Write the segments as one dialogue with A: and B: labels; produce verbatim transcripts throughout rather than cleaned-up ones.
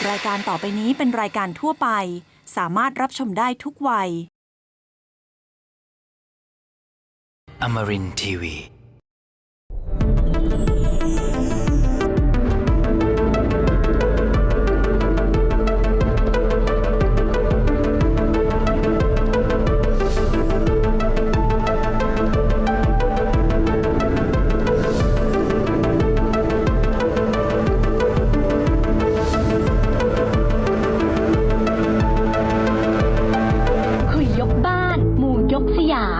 A: รายการต่อไปนี้เป็นรายการทั่วไปสามารถรับชมได้ทุกวัย
B: Amarin ที วี
C: คุยยกบ้านหมู่ยกสยาม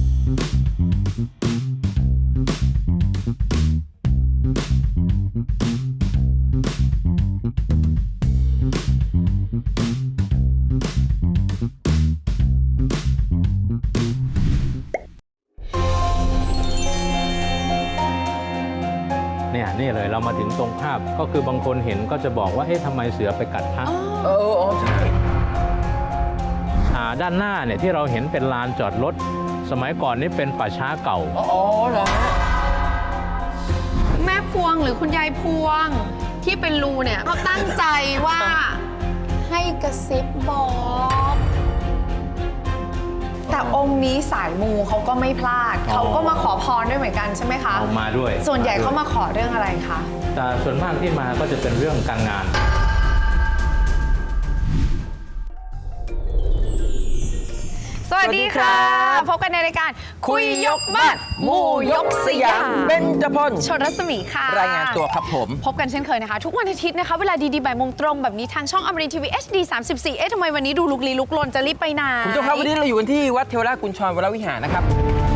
D: เนี่ยนี่เลยเรามาถึงตรงภาพก็คือบางคนเห็นก็จะบอกว่าเอ๊ะทำไมเสือไปกัดพระ
E: เอออ๋อใช่
D: อ่าด้านหน้าเนี่ยที่เราเห็นเป็นลานจอดรถสมัยก่อนนี่เป็นป่าช้าเก่า
E: อ๋อเหรอฮะ
F: แม่พวงหรือคุณยายพวงที่เป็นรูเนี่ยเขาตั้งใจว่าให้กระซิบบอก แต่องค์นี้สายมูเขาก็ไม่พลาด
D: อ๋อ
F: เขาก็มาขอพรด้วยเหมือนกันใช่ไหมคะ
D: เอามาด้วย
F: ส่วนใหญ่เขามาขอเรื่องอะไรคะ
D: แต่ส่วนมากที่มาก็จะเป็นเรื่องการงาน
F: สวัสดีค่ะ พบกันในรายการคุยยกบ้านหมู่ยกสยาม
E: เบญจพล
F: ชนรัศมีค่ะ
E: รายงานตัวครับผม
F: พบกันเช่นเคยนะคะ ทุกวันอาทิตย์นะคะ เวลาดีๆบ่ายโมงตรงแบบนี้ทางช่องอมรินทร์ทีวี เอช ดี สามสิบสี่ เอ๊ะทำไมวันนี้ดูลุกลี้ลุกลนจะรีบไปไหน
E: คุณผู้ชมครับวันนี้เราอยู่กันที่วัดเทวราชกุญชรวรวิหารนะครับ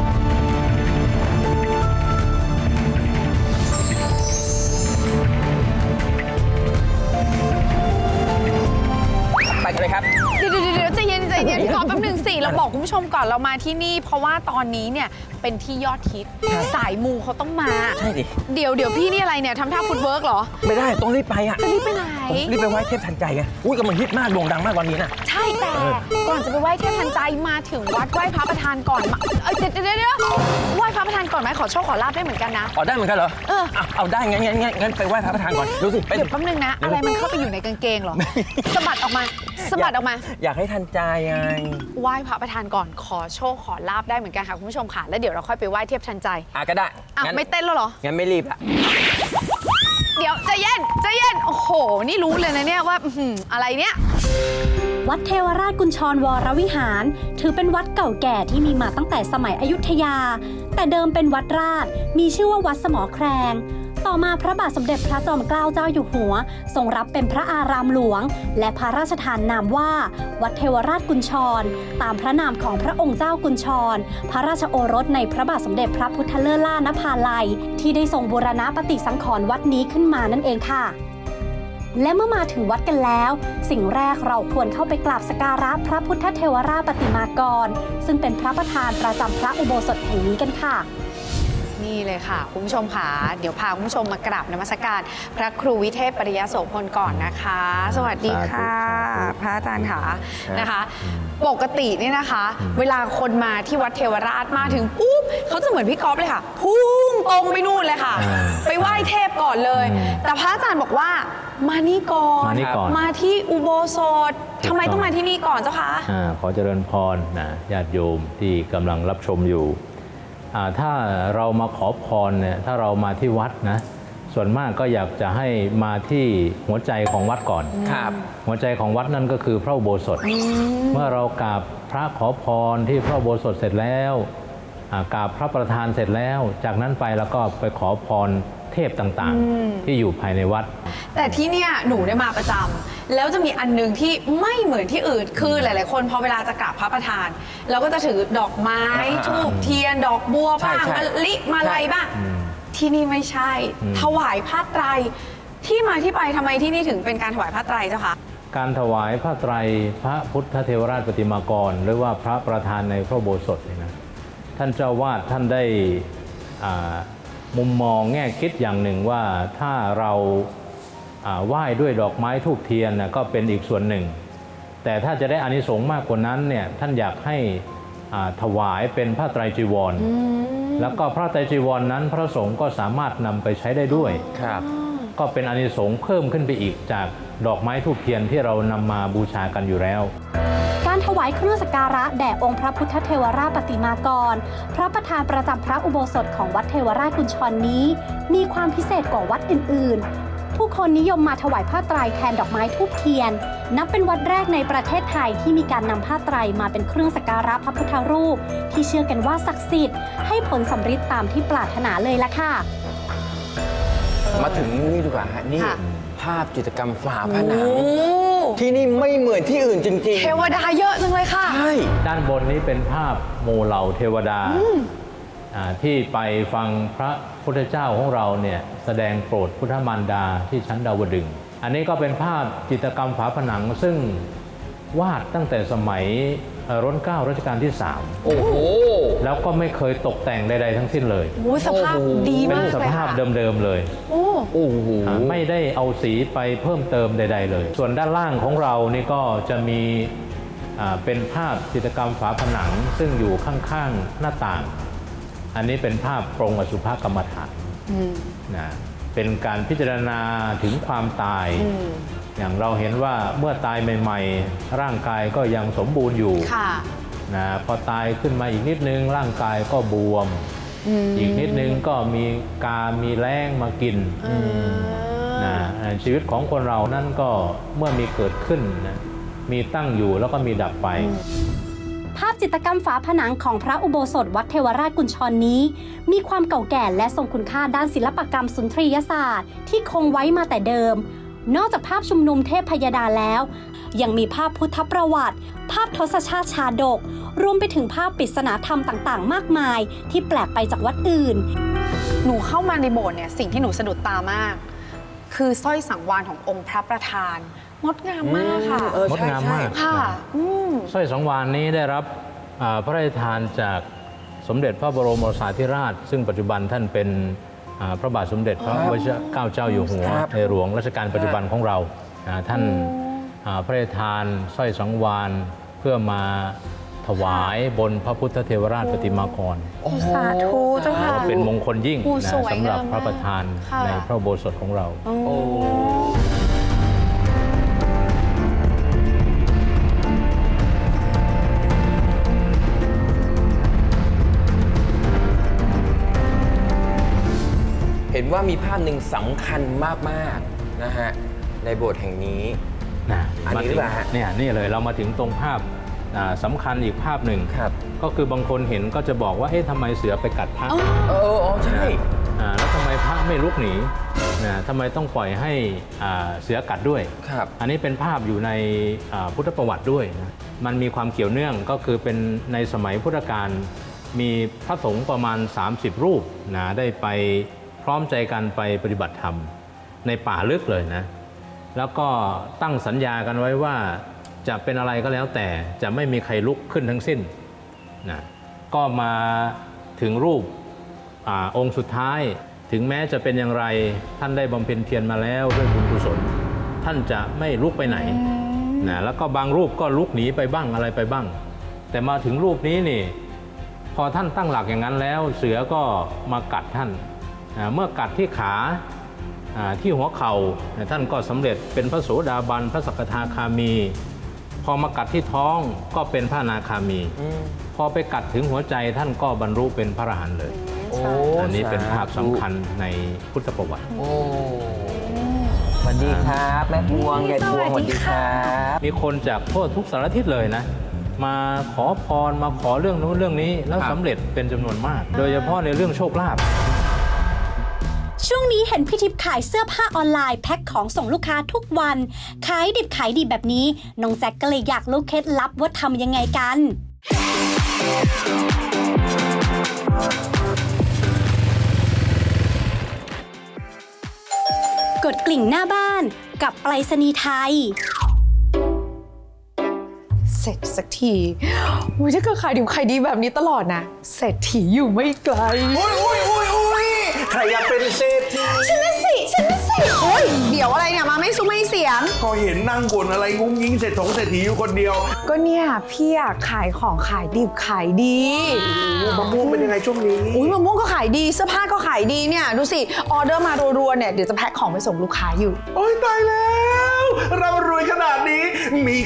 E: ไปกันเลยครับ
F: เดี๋ยวเดี๋ยวเดี๋ยวใจเย็นใจเย็นขอแป๊บหนึ่งสิเราบอกคุณผู้ชมก่อนเรามาที่นี่ เพราะว่าตอนนี้เนี่ยเป็นที่ยอดฮิตสายมูเขาต้องมา
E: ใช่ดิ
F: เดี๋ยวเดี๋ยวพี่นี่อะไรเนี่ยทำท่าฟุตเวิร์กเหรอ
E: ไม่ได้ต้องรีบไปอ่ะ
F: จะรีบไปไหน
E: ผมรีบไปไหว้เทพทันใจไงอุ้ยกำลังฮิตมากโด่งดังมากวันนี้น่ะ
F: ใช่แต่ก่อนจะไปไหว้เทพทันใจมาถึงวัดไหว้พระประธานก่อนมาเอ้ยเดี๋ยวเดี๋ยวเดี๋ยวไหว้พระประธานก่อนไหมขอโชคขอลาบได้เหมือนกันนะ
E: อ๋อได้เหมือนกันเหรอ
F: เออ
E: เอาเอาได้งั้นงั้นงั้นงั้นไปไหว้พระประธานก่อนดูสิไป
F: เดี๋ยวแป๊บนึงนะ อะไรมันเข้าไปอยู่ในกางเกงเหรอสะบัดออกมาสะบัดออกมา
E: อยากให้ทันใจไง
F: ไหว้พระประธานก่อนขอโชคขอลาบได้เหมือนกันค่ะคุณผู้ชมค่ะแล้วเดี๋ยวเราค่อยไปไหว้เทพทันใจ
E: อ่ะก็ได้
F: อ่ะ
E: งั้น
F: ไม่เต้นแล้วเหรอ
E: งั้นไม่รีบละ
F: เดี๋ยวใจเย็นใจเย็นโอ้โห นี่รู้เลยนะเนี่ยว่าอื้อหืออะไรเนี่ย
C: วัดเทวราชกุญชรวรวิหาร ถือเป็นวัดเก่าแก่ที่มีมาตั้งแต่สมัยอยุธยา แต่เดิมเป็นวัดราชมีชื่อว่าวัดสมอแครงต่อมาพระบาทสมเด็จพระจอมเกล้าเจ้าอยู่หัวทรงรับเป็นพระอารามหลวง และพระราชทานนามว่า วัดเทวราชกุญชร ตามพระนามของพระองค์เจ้ากุญชร พระราชโอรสในพระบาทสมเด็จพระพุทธเลิศล่านภาลัยที่ได้ทรงบูรณะปฏิสังขรณ์วัดนี้ขึ้นมานั่นเองค่ะ และเมื่อมาถึงวัดกันแล้ว สิ่งแรกเราควรเข้าไปกราบสักการะพระพุทธเทวราชปฏิมากร ซึ่งเป็นพระประธานประจำพระอุโบสถแห่งนี้กันค่ะ
F: นี่เลยค่ะคุณผู้ชมค่ะเดี๋ยวพาคุณผู้ชมมากราบนมัสการพระครูวิเทพปริยโสพลก่อนนะคะ สวัสดีค่ะ พระอาจารย์ค่ะนะคะ ปกติเนี่ยนะคะ เวลาคนมาที่วัดเทวราชมาถึงปุ๊บเขาจะเหมือนพี่ก๊อฟเลยค่ะพุ่งตรงไปนู่นเลยค่ะ ไปไหว้เทพก่อนเลย แต่พระอาจารย์บอกว่ามานี่ก่อน
D: มานี่ก่อน
F: มาที่อุโบสถทำไมต้องมาที่นี่ก่อนเจ้าคะ
D: อาขอเจริญพรนะญาติโยมที่กำลังรับชมอยู่อ่าถ้าเรามาขอพรเนี่ยถ้าเรามาที่วัดนะส่วนมากก็อยากจะให้มาที่หัวใจของวัดก่อน
E: ครับ
D: หัวใจของวัดนั่นก็คือพระอุโบสถเมื่อเรากราบพระขอพรที่พระอุโบสถเสร็จแล้วอ่ากราบพระประธานเสร็จแล้ว จากนั้นไปแล้วก็ไปขอพรเทพต่างๆ ที่อยู่ภายในวัด
F: แต่ที่เนี่ยหนูได้มาประจำแล้วจะมีอันหนึงที่ไม่เหมือนที่อื่นคือหลาย ๆ คนพอเวลาจะกราบพระประธานเราก็จะถือดอกไม้
E: อ่า
F: ธูปเทียนดอกบัวบ้าง
E: ใช่
F: มะ
E: ใช่
F: ลิมาลัยบ้าง
D: อืม
F: ที่นี่ไม่ใช่
D: อืม
F: ถวายผ้าไตรที่มาที่ไปทำไมที่นี่ถึงเป็นการถวายผ้าไตรเจ้าคะ
D: การถวายผ้าไตรพระพุทธเทวราชปฏิมากร หรือว่าพระประธานในพระอุโบสถเนี่ยนะท่านเจ้าวาดท่านได้อ่ามุมมองแง่คิดอย่างหนึ่งว่าถ้าเราอ่าไหว้ด้วยดอกไม้ธูปเทียนนะก็เป็นอีกส่วนหนึ่ง แต่ถ้าจะได้อานิสงส์มากกว่านั้นเนี่ยท่านอยากให้อ่าถวายเป็นผ้าไตรจีวร แล้วก็พระไตรจีวรนั้นพระสงฆ์ก็สามารถนำไปใช้ได้ด้วย
E: ครับ
D: ก็เป็นอานิสงส์เพิ่มขึ้นไปอีกจากดอกไม้ธูปเทียนที่เรานำมาบูชากันอยู่แล้ว
C: การถวายเครื่องสักการะแด่องค์พระพุทธเทวราชปฏิมากร พระประธานประจำพระอุโบสถของวัดเทวราชกุญชรนี้ มีความพิเศษกว่าวัดอื่นๆ ผู้คนนิยมมาถวายผ้าไตรแทนดอกไม้ธูปเทียน นับเป็นวัดแรกในประเทศไทยที่มีการนำผ้าไตรมาเป็นเครื่องสักการะพระพุทธรูป ที่เชื่อกันว่าศักดิ์สิทธิ์ให้ผลสำเร็จตามที่ปรารถนาเลยล่ะค่ะ
E: มาถึงนี่ดีกว่าฮะนี่
F: ค่ะ
E: ภาพจิตรกรรมฝาผนังที่นี่ไม่เหมือนที่อื่นจริงๆ
F: เทวดาเยอะจังเลยค่ะ
E: ใช่
D: ด้านบนนี้เป็นภาพโมเหล่าเทวดาอ่าที่ไปฟังพระพุทธเจ้าของเราเนี่ยแสดงโปรดพุทธมารดาที่ชั้นดาวดึงส์อันนี้ก็เป็นภาพจิตรกรรมฝาผนังซึ่งวาดตั้งแต่สมัยเอ่อรัชกาลรัชกาลที่สาม
E: โอ้โห
D: แล้วก็ไม่เคยตกแต่งใดๆทั้งสิ้นเลย
F: โอ้ยสภาพดี
D: เป็น
F: มาก
D: ส
F: เลย
D: ภาพ
F: ค่ะ
D: เดิมๆเลย
F: โอ้
E: โอ้โห
D: อ่าไม่ได้เอาสีไปเพิ่มเติมใด ๆ เลย ส่วนด้านล่างของเรานี่ก็จะมีอ่าเป็นภาพจิตรกรรมฝาผนังซึ่งอยู่ข้างๆหน้าต่าง อันนี้เป็นภาพปรงอสุภกรรมฐานนะเป็นการพิจารณาถึงความตาย อย่างเราเห็นว่าเมื่อตายใหม่ๆ ร่างกายก็ยังสมบูรณ์อยู่
F: ค่ะ
D: นะพอตายขึ้นมาอีกนิดนึงร่างกายก็บวม อีกนิดนึงก็มีกา มีแรงมากินนะชีวิตของคนเรานั่นก็เมื่อมีเกิดขึ้นนะมีตั้งอยู่แล้วก็มีดับไป
C: ภาพจิตรกรรมฝาผนังของพระอุโบสถวัดเทวราชกุญชรนี้ มีความเก่าแก่และทรงคุณค่าด้านศิลปกรรมสุนทรียศาสตร์ที่คงไว้มาแต่เดิม นอกจากภาพชุมนุมเทพพยดาแล้ว ยังมีภาพพุทธประวัติ ภาพทศชาติชาดก รวมไปถึงภาพปริศนาธรรมต่างๆ มากมาย ที่แปลกไปจากวัดอื่น
F: หนูเข้ามาในโบสถ์เนี่ยสิ่งที่หนูสะดุดตามาก คือสร้อยสังวาลขององค์พระประธานงดงามมากค่ะ
E: เออ
D: งด
E: ใช่
D: งาม
E: ใช่
D: มาก
F: ค่ะอืม
D: สร้อยสังวาลนี้ได้รับอ่าพระราชทานจากสมเด็จพระบรมโอรสาธิราช ซึ่งปัจจุบันท่านเป็นอ่าพระบาทสมเด็จพระวชิรเกล้าเจ้าอยู่หัว
E: ครับ
D: ในหลวงรัชกาลปัจจุบันของเราอ่าท่านอ่าพระราชทานสร้อยสังวาลเพื่อมาถวายบนพระพุทธเทวราชปฏิมากร
F: สาธุเจ้าค่ะ
D: ก็เป็นมงคลยิ่ง
F: โอ้
D: นะ
F: สวย
D: สำหรับ
F: งาม
D: พระประธาน
F: ค่ะ
D: ในพระอุโบสถของเรา
E: โอ้เห็นว่ามีภาพหนึ่งสำคัญมากๆนะฮะในโบสถ์แห่งนี้
D: นะ
E: อันนี้หรือเปล่าฮะ
D: เนี่ยนี่เลยเรามาถึงตรงภาพอ่าสำคัญอีกภาพหนึ่ง
E: ครับ
D: ก็คือบางคนเห็นก็จะบอกว่าเอ๊ะทำไมเสือไปกัดพระ
F: อ๋อ
E: เอออ๋อใช่
D: อ่าแล้วทำไมพระไม่ลุกหนีนะทำไมต้องปล่อยให้อ่าเสือกัดด้วย
E: ครับ
D: อันนี้เป็นภาพอยู่ในอ่าพุทธประวัติด้วยนะมันมีความเกี่ยวเนื่องก็คือเป็นในสมัยพุทธกาลมีพระสงฆ์ประมาณ สามสิบ รูปนะได้ไปพร้อมใจกันไปปฏิบัติธรรมในป่าลึกเลยนะ แล้วก็ตั้งสัญญากันไว้ว่าจะเป็นอะไรก็แล้วแต่จะไม่มีใครลุกขึ้นทั้งสิ้นนะก็มาถึงรูปอาองค์สุดท้าย ถึงแม้จะเป็นอย่างไรท่านได้บำเพ็ญเพียรมาแล้วด้วยบุญกุศลท่านจะไม่ลุกไปไหนนะแล้วก็บางรูปก็ลุกหนีไปบ้างอะไรไปบ้าง แต่มาถึงรูปนี้นี่พอท่านตั้งหลักอย่างนั้นแล้วเสือก็มากัดท่านอ่าเมื่อกัดที่ขาอ่าที่หัวเข่าท่านก็สำเร็จเป็นพระโสดาบันพระสกทาคามี พอมากัดที่ท้องก็เป็นพระอนาคามี พอไปกัดถึงหัวใจท่านก็บรรลุเป็นพระอรหันต์เลย
E: โอ้
D: อันนี้เป็นภาพสำคัญในพุทธประวัติ
E: โอ้สวัสดีครับแม่พวงยายพวงสวัสดีครับ
D: มีคนจากทั่วทุกสารทิศเลยนะ มาขอพรมาขอเรื่องนู้นเรื่องนี้แล้วสำเร็จเป็นจำนวนมาก โดยเฉพาะในเรื่องโชคลาภ
C: ช่วงนี้เห็นพี่ทิพย์ขายเสื้อผ้าออนไลน์แพ็คของส่งลูกค้าทุกวัน ขายดิบขายดีแบบนี้ น้องแจ็คก็เลยอยากรู้เคล็ดลับว่าทำยังไงกัน กดกลิ่งหน้าบ้านกับไปรษณีย์ไทย
F: เสร็จสักทีอุ้ยถ้าเกิดขายดิบขายดีแบบนี้ตลอดนะเศรษฐีอยู่ไม่ไกล
E: อุ้ยอุ้ยอุ้ยอุ้ยใครอยากเป็นเศรษฐี
F: ฉันน่ะสิฉันน่ะสิโอ้ยเดี๋ยวอะไรเนี่ยมาไม่ซุ้มไม่เสียง
G: ก็เห็นนั่งบ่นอะไรงุ้งยิงเศรษฐงเศรษฐีอยู่คนเดียว
F: ก็เนี่ยพี่อะขายของขายดิบขายดี
G: มะม่วงเป็นยังไงช่วงนี้
F: อุ้ยมะม่วงก็ขายดีเสื้อผ้าก็ขายดีเนี่ยดูสิออเดอร์มารัวๆเนี่ยเดี๋ยวจะแพ็คของไปส่งลูกค้าอยู่
G: โอ้ยตายแล้ว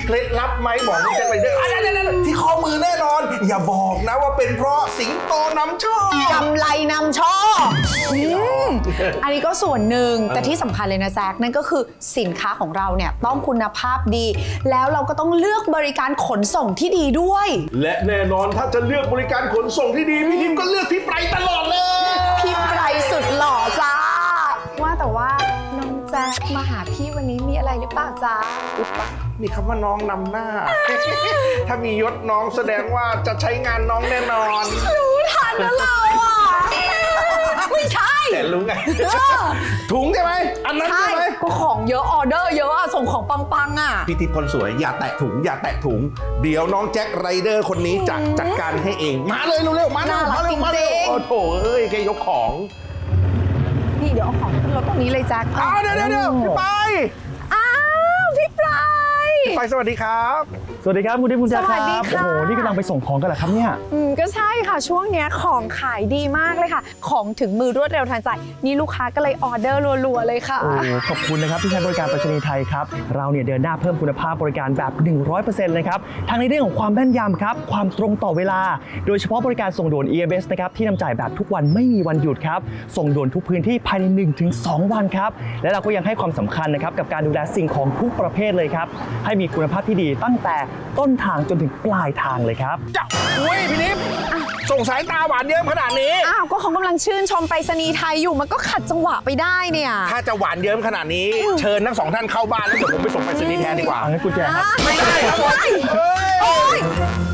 G: เคล็ดลับไหมบอกนี่จะไปเด้ออ่ะนั่นๆๆที่ข้อมือแน่นอน อย่าบอกนะว่าเป็นเพราะสิงโตนำโชค
F: กำไรนำโชคอืมอันนี้ก็ส่วนหนึ่งแต่ที่สำคัญเลยนะแจ๊คนั่นก็คือสินค้าของเราเนี่ยต้องคุณภาพดี แล้วเราก็ต้องเลือกบริการขนส่งที่ดีด้วย
G: และแน่นอนถ้าจะเลือกบริการขนส่งที่ดีพี่ทิพย์ก็เลือกพี่ไพรตลอดเลย
F: พี่ไพรสุดหล่อจ้า ว่าแต่ว่าน้องแจ๊คมาหาพี่วันนี้มีอะไรหรือเปล่าจ๊ะ
G: อุ๊บปะมีคำว่าน้องนำหน้า ถ้ามียศน้องแสดงว่าจะใช้งานน้องแน่นอน
F: รู้ทันนะเราอ่ะ ไม่ใช่
G: แต่รู้ไง ถุงใช่ไหมอันนั้น
F: ใช่
G: ใช่ไหม
F: ก็ของเยอะออเดอร์เยอะอะส่งของปังๆอ่ะ
G: พี่ทิพย์คนสวยอย่าแตะถุงอย่าแตะถุง เดี๋ยวน้องแจ็คไรเดอร์คนนี้จะจัดการให้เอง มาเลยเร็วๆมาเร็ว
F: น่ารัก
G: มาเร็วมาเร็ว
F: จริงๆ
G: โอ้โถเอ้ยแกยกของ
F: นี่เดี๋ยวเอาของขึ้นรถตรงนี้เลยแจ๊ค
G: อ้าวเดี๋ยวเดี๋ยวเดี๋ยวพี่ไป
F: อ้าวพี่ปลาย
G: ไปสวัสดีครับ
H: สวัสดีครับคุณทิพย์คุณแจ๊ค
F: สวั
H: ค
F: สดี
H: รับ
F: ค่ะ
H: โอ้โหนี่กำลังไปส่งของกันเหรอครับเนี่ย
F: อืมก็ใช่ค่ะช่วงเนี้ยของขายดีมากเลยค่ะ ของถึงมือรวดเร็วทันใจ นี่ลูกค้าก็เลยออเดอร์รัวๆเลยค่ะ
H: โอ้ขอบคุณนะครับที่ใช้บริการไปรษณีย์ไทยครับเราเนี่ยเดินหน้าเพิ่มคุณภาพบริการแบบ หนึ่งร้อยเปอร์เซ็นต์ เลยครับทั้งในเรื่องของความแม่นยำครับความตรงต่อเวลา โดยเฉพาะบริการส่งด่วน อี เอ็ม เอส นะครับที่นำจ่ายแบบทุกวันไม่มีวันหยุดครับส่งด่วนทุกพื้นที่ภายใน หนึ่งถึงสอง วันครับและเราก็ยังให้ความสำคัญนะครับกับการดูแลสิ่งของทุกประเภทเลยครับให้มีคุณภาพที่ดีตั้งแต่ต้นทางจนถึงปลายทางเลยครับ
G: จ้ะอุ้ยพี่ทิพย์ส่งสายตาหวานเยิ้มขนาดนี้
F: อ้าวก็เขากำลังชื่นชมไปรษณีย์ไทยอยู่มันก็ขัดจังหวะไปได้เนี่ย
G: ถ้าจะหวานเยิ้มขนาดนี้ เชิญทั้งสองท่านเข้าบ้านแล้วเดี๋ยวผมไปส่งไปรษณีย์แทนดีกว่า
H: เอางั้นกุญแจครับ
F: ไม่ได้ครับผม
G: เฮ้ย
F: โอ๊ย